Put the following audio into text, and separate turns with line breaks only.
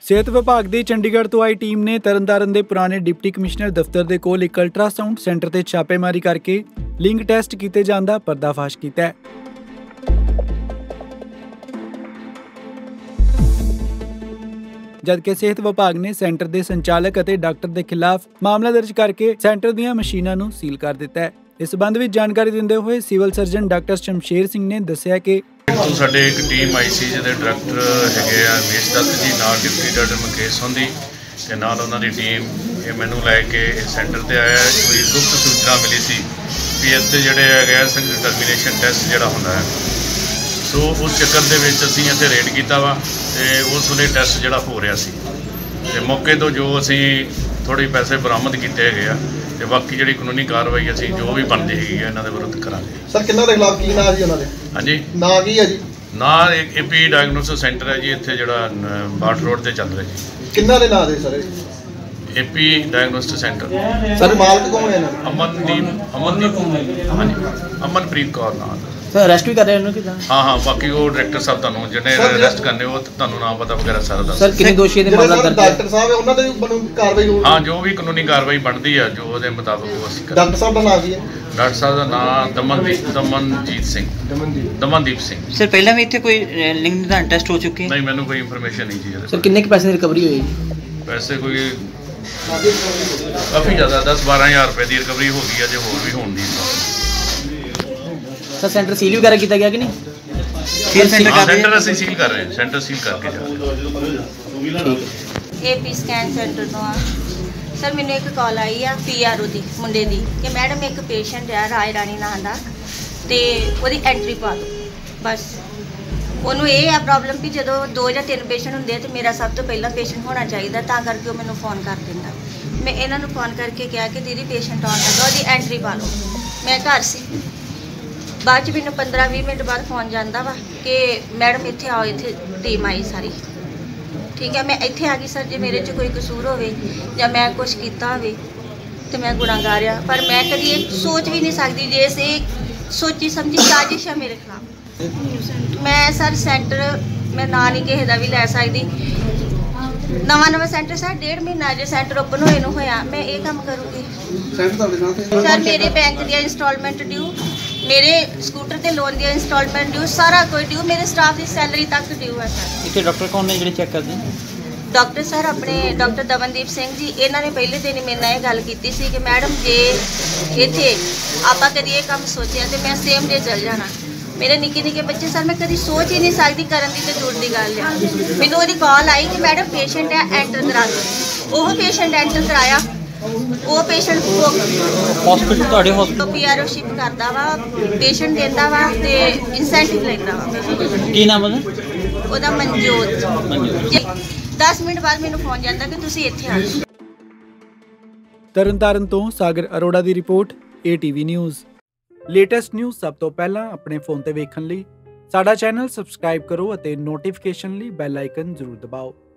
ਸਿਹਤ ਵਿਭਾਗ ਦੀ ਚੰਡੀਗੜ੍ਹ ਤੋਂ ਆਈ ਟੀਮ ਨੇ ਤਰਨਤਾਰਨ ਦੇ ਪੁਰਾਣੇ ਡਿਪਟੀ ਕਮਿਸ਼ਨਰ ਦਫ਼ਤਰ ਦੇ ਕੋਲ ਇੱਕ ਅਲਟਰਾਸਾਊਂਡ ਸੈਂਟਰ ਤੇ ਛਾਪੇਮਾਰੀ ਕਰਕੇ ਲਿੰਗ ਟੈਸਟ ਕੀਤੇ ਜਾਣ ਦਾ ਪਰਦਾਫਾਸ਼ ਕੀਤਾ ਹੈ। ਜਦਕਿ ਸਿਹਤ ਵਿਭਾਗ ਨੇ ਸੈਂਟਰ ਦੇ ਸੰਚਾਲਕ ਅਤੇ ਡਾਕਟਰ ਦੇ ਖਿਲਾਫ ਮਾਮਲਾ ਦਰਜ ਕਰਕੇ ਸੈਂਟਰ ਦੀਆਂ ਮਸ਼ੀਨਾਂ ਨੂੰ ਸੀਲ ਕਰ ਦਿੱਤਾ ਹੈ। ਇਸ ਸੰਬੰਧ ਵਿੱਚ ਜਾਣਕਾਰੀ ਦਿੰਦੇ ਹੋਏ civil surgeon doctor Shamsher Singh ਨੇ ਦੱਸਿਆ ਕਿ
ਸਾਡੇ ਇੱਕ ਟੀਮ ਆਈ ਸੀ ਜਿਹਦੇ ਡਾਇਰੈਕਟਰ ਹੈਗੇ ਆ ਰਮੇਸ਼ ਦੱਤ ਜੀ, ਨਾਲ ਡਿਪਟੀ ਡਾਕਟਰ ਮੁਕੇਸ਼ ਹੁੰਦੀ ਤੇ ਨਾਲ ਉਹਨਾਂ ਦੀ ਟੀਮ ਇਹ ਮੈਨੂੰ ਲੈ ਕੇ ਸੈਂਟਰ ਤੇ ਆਇਆ। ਕੋਈ ਗੁਪਤ ਸੂਚਨਾ ਮਿਲੀ ਸੀ ਵੀ ਇੱਥੇ ਜਿਹੜੇ ਹੈਗੇ ਆ ਟਰਮੀਨੇਸ਼ਨ ਟੈਸਟ ਜਿਹੜਾ ਹੁੰਦਾ ਹੈ, ਸੋ ਉਸ ਚੱਕਰ ਦੇ ਵਿੱਚ ਅਸੀਂ ਇੱਥੇ ਰੇਡ ਕੀਤਾ ਵਾ ਤੇ ਉਸ ਵੇਲੇ ਟੈਸਟ ਜਿਹੜਾ ਹੋ ਰਿਹਾ ਸੀ ਤੇ ਮੌਕੇ ਤੋਂ ਜੋ ਅਸੀਂ ਥੋੜ੍ਹੇ ਪੈਸੇ ਬਰਾਮਦ ਕੀਤੇ ਹੈਗੇ ਆ ਤੇ ਬਾਕੀ ਜਿਹੜੀ ਕਾਨੂੰਨੀ ਕਾਰਵਾਈ ਅਸੀਂ ਜੋ ਵੀ ਬਣਦੀ ਹੈਗੀ ਆ ਇਹਨਾਂ ਦੇ ਵਿਰੁੱਧ ਕਰਾਂਗੇ।
ਸਰ ਕਿੰਨਾਂ ਦੇ ਖਿਲਾਫ ਕੀ ਨਾਂ ਜੀ ਉਹਨਾਂ ਦੇ?
ਹਾਂਜੀ,
ਨਾਂ ਕੀ ਹੈ ਜੀ?
ਨਾਂ ਏਪੀ ਡਾਇਗਨੋਸਟਿਕ ਸੈਂਟਰ ਹੈ ਜੀ, ਇੱਥੇ ਜਿਹੜਾ ਬਾਟ ਰੋਡ ਤੇ ਚੱਲ ਰਿਹਾ ਜੀ।
ਕਿੰਨਾਂ ਦੇ ਨਾਂ ਦੇ sir?
AP diagnostic centre.
Sir ਮਾਲਕ ਕੌਣ ਹੈ ਇਹਨਾਂ ਦਾ?
ਅਮਨਪ੍ਰੀਤ ਕੌਰ ਨਾਂ ਦਾ।
ਸਰ ਅਰੈਸਟ ਵੀ ਕਰ ਰਹੇ ਉਹਨੂੰ ਕਿਦਾਂ?
ਹਾਂ, ਬਾਕੀ ਉਹ ਡਾਇਰੈਕਟਰ ਸਾਹਿਬ ਤੁਹਾਨੂੰ ਜਿਹੜੇ ਅਰੈਸਟ ਕਰਨੇ ਉਹ ਤੁਹਾਨੂੰ ਨਾਮ ਪਤਾ ਵਗੈਰਾ ਸਾਰਾ ਦੱਸ।
ਸਰ ਕਿੰਨੇ ਦੋਸ਼ੀ ਦੇ ਮਾਮਲਾ ਦਰਜ ਹੈ?
ਡਾਕਟਰ ਸਾਹਿਬ ਉਹਨਾਂ ਦੇ ਵੀ ਕਾਰਵਾਈ ਹੋਊਗੀ?
ਹਾਂ, ਜੋ ਵੀ ਕਾਨੂੰਨੀ ਕਾਰਵਾਈ ਬਣਦੀ ਆ ਜੋ ਉਹਦੇ ਮੁਤਾਬਕ ਉਹ ਅਸੀਂ ਕਰਾਂਗੇ।
ਡਾਕਟਰ ਸਾਹਿਬ ਦਾ ਨਾਮ ਕੀ ਹੈ?
ਡਾਕਟਰ ਸਾਹਿਬ ਦਾ ਨਾਮ ਦਮਨਦੀਪ ਸਿੰਘ।
ਸਰ ਪਹਿਲਾਂ ਵੀ ਇੱਥੇ ਕੋਈ ਲਿੰਗ ਦਾ ਟੈਸਟ ਹੋ ਚੁੱਕੇ?
ਨਹੀਂ, ਮੈਨੂੰ ਕੋਈ ਇਨਫੋਰਮੇਸ਼ਨ ਨਹੀਂ ਜੀ।
ਸਰ ਕਿੰਨੇ ਕੁ ਪੈਸੇ ਦੀ ਰਿਕਵਰੀ ਹੋਈ?
ਪੈਸੇ ਕੋਈ ਕਾਫੀ ਜ਼ਿਆਦਾ 10-12 ਹਜ਼ਾਰ ਰੁਪਏ ਦੀ ਰਿਕਵਰੀ ਹੋ ਗਈ ਹੈ, ਜੇ ਹੋਰ ਵੀ ਹੋਣ ਦੀ।
ਸਰ ਸੈਂਟਰ ਸੀਲ ਵਗੈਰਾ ਕੀਤਾ ਗਿਆ ਕਿ ਨਹੀਂ?
ਸੈਂਟਰ ਅਸੀਂ ਸੀਲ ਕਰ ਰਹੇ ਹਾਂ, ਸੈਂਟਰ ਸੀਲ ਕਰਕੇ ਜਾ ਰਹੇ।
ਏਪੀ ਸਕੈਨ ਸੈਂਟਰ ਤੋਂ ਆ ਸਰ, ਮੈਨੂੰ ਇੱਕ ਕਾਲ ਆਈ ਆ ਪੀਆਰਓ ਦੀ ਮੁੰਡੇ ਦੀ ਕਿ ਮੈਡਮ ਇੱਕ ਪੇਸ਼ੈਂਟ ਆ ਰਾਏ ਰਾਣੀ ਨਾਂ ਦਾ ਤੇ ਉਹਦੀ ਐਂਟਰੀ ਪਾ ਦਿਓ। ਬਸ ਉਹਨੂੰ ਇਹ ਆ ਪ੍ਰੋਬਲਮ ਕਿ ਜਦੋਂ 2 ਜਾਂ 3 ਪੇਸ਼ੈਂਟ ਹੁੰਦੇ ਆ ਤੇ ਮੇਰਾ ਸਭ ਤੋਂ ਪਹਿਲਾਂ ਪੇਸ਼ੈਂਟ ਹੋਣਾ ਚਾਹੀਦਾ, ਤਾਂ ਕਰਕੇ ਉਹ ਮੈਨੂੰ ਫੋਨ ਕਰ ਦਿੰਦਾ। ਮੈਂ ਇਹਨਾਂ ਨੂੰ ਫੋਨ ਕਰਕੇ ਕਿਹਾ ਕਿ ਦੀਦੀ ਪੇਸ਼ੈਂਟ ਆਉਣ ਲੱਗਾ, ਉਹਦੀ ਐਂਟਰੀ ਪਾ ਲਓ। ਮੈਂ ਘਰ ਸੀ, ਬਾਅਦ 'ਚ ਮੈਨੂੰ 15-20 ਮਿੰਟ ਬਾਅਦ ਫੋਨ ਜਾਂਦਾ ਵਾ ਕਿ ਮੈਡਮ ਇੱਥੇ ਆਓ, ਇੱਥੇ ਟੀਮ ਆਈ ਸਾਰੀ। ਠੀਕ ਹੈ, ਮੈਂ ਇੱਥੇ ਆ ਗਈ। ਸਰ ਜੇ ਮੇਰੇ 'ਚ ਕੋਈ ਕਸੂਰ ਹੋਵੇ ਜਾਂ ਮੈਂ ਕੁਛ ਕੀਤਾ ਹੋਵੇ ਤੇ ਮੈਂ ਗੁਨਾਹਗਾਰ ਆ, ਪਰ ਮੈਂ ਕਦੀ ਇਹ ਸੋਚ ਵੀ ਨਹੀਂ ਸਕਦੀ ਜੇ ਇਹ ਸੋਚੀ ਸਮਝੀ ਸਾਜ਼ਿਸ਼ ਆ ਮੇਰੇ ਖਿਲਾਫ। ਮੈਂ ਸਰ ਸੈਂਟਰ ਮੈਂ ਨਾਂ ਨਹੀਂ ਕਿਸੇ ਦਾ ਵੀ ਲੈ ਸਕਦੀ। ਨਵਾਂ ਸੈਂਟਰ ਸਰ 1.5 ਮਹੀਨਾ ਜੇ ਸੈਂਟਰ ਓਪਨ ਹੋਏ ਨੂੰ ਹੋਇਆ, ਮੈਂ ਇਹ ਕੰਮ ਕਰੂੰਗੀ। ਸਰ ਮੇਰੇ ਬੈਂਕ ਦੀਆਂ ਇੰਸਟਾਲਮੈਂਟ ਡਿਊ, ਮੇਰੇ ਸਕੂਟਰ ਤੇ ਲੋਨ ਦੀਆਂ ਇੰਸਟਾਲਮੈਂਟ ਡਿਊ, ਸਾਰਾ ਕੋਈ ਡਿਊ, ਮੇਰੇ ਸਟਾਫ ਦੀ ਸੈਲਰੀ ਤੱਕ ਡਿਊ ਹੈ ਸਰ।
ਇੱਥੇ ਡਾਕਟਰ ਕੌਣ ਨੇ ਜਿਹੜੇ ਚੈੱਕ ਕਰਦੇ?
ਡਾਕਟਰ ਸਰ ਆਪਣੇ ਡਾਕਟਰ ਦਮਨਦੀਪ ਸਿੰਘ ਜੀ। ਇਹਨਾਂ ਨੇ ਪਹਿਲੇ ਦਿਨ ਹੀ ਮੇਰੇ ਨਾਲ ਇਹ ਗੱਲ ਕੀਤੀ ਸੀ ਕਿ ਮੈਡਮ ਜੇ ਇੱਥੇ ਆਪਾਂ ਕਦੀ ਇਹ ਕੰਮ ਸੋਚਿਆ ਤੇ ਮੈਂ ਸੇਮ ਡੇ ਚਲ ਜਾਣਾ। ਮੇਰੇ ਨਿੱਕੇ ਬੱਚੇ ਸਰ, ਮੈਂ ਕਦੀ ਸੋਚ ਹੀ ਨਹੀਂ ਸਕਦੀ, ਕਰਨ ਦੀ ਤੇ ਦੂਰ ਦੀ ਗੱਲ ਆ। ਮੈਨੂੰ ਉਹਦੀ ਕਾਲ ਆਈ ਕਿ ਮੈਡਮ ਪੇਸ਼ੈਂਟ ਹੈ, ਐਂਟਰ ਕਰਾ ਦਿਓ। ਉਹ ਪੇਸ਼ੈਂਟ ਐਂਟਰ ਕਰਾਇਆ। ਉਹ ਪੇਸ਼ੈਂਟ
ਹਸਪੀਟਲ ਤੁਹਾਡੇ ਹਸਪੀਟਲ
ਪੀਆਰਓ ਸ਼ਿਪ ਕਰਦਾ ਵਾ, ਪੇਸ਼ੈਂਟ ਦਿੰਦਾ ਵਾ ਤੇ ਇਨਸੈਂਟਿਵ ਲੈਂਦਾ ਵਾ।
ਕੀ ਨਾਮ
ਉਹਦਾ ਮਨਜੋਤ। 10 ਮਿੰਟ ਬਾਅਦ ਮੈਨੂੰ ਫੋਨ ਜਾਂਦਾ ਕਿ ਤੁਸੀਂ ਇੱਥੇ ਆ ਜਾਓ।
ਤਰਨਤਾਰਨ ਤੋਂ ਸਾਗਰ ਅਰੋੜਾ ਦੀ report, ATV news. Latest news ਸਭ ਤੋਂ ਪਹਿਲਾਂ ਆਪਣੇ ਫੋਨ ਤੇ ਵੇਖਣ ਲਈ ਸਾਡਾ ਚੈਨਲ ਸਬਸਕ੍ਰਾਈਬ ਕਰੋ ਅਤੇ ਨੋਟੀਫਿਕੇਸ਼ਨ ਲਈ ਬੈਲ ਆਈਕਨ ਜ਼ਰੂਰ ਦਬਾਓ।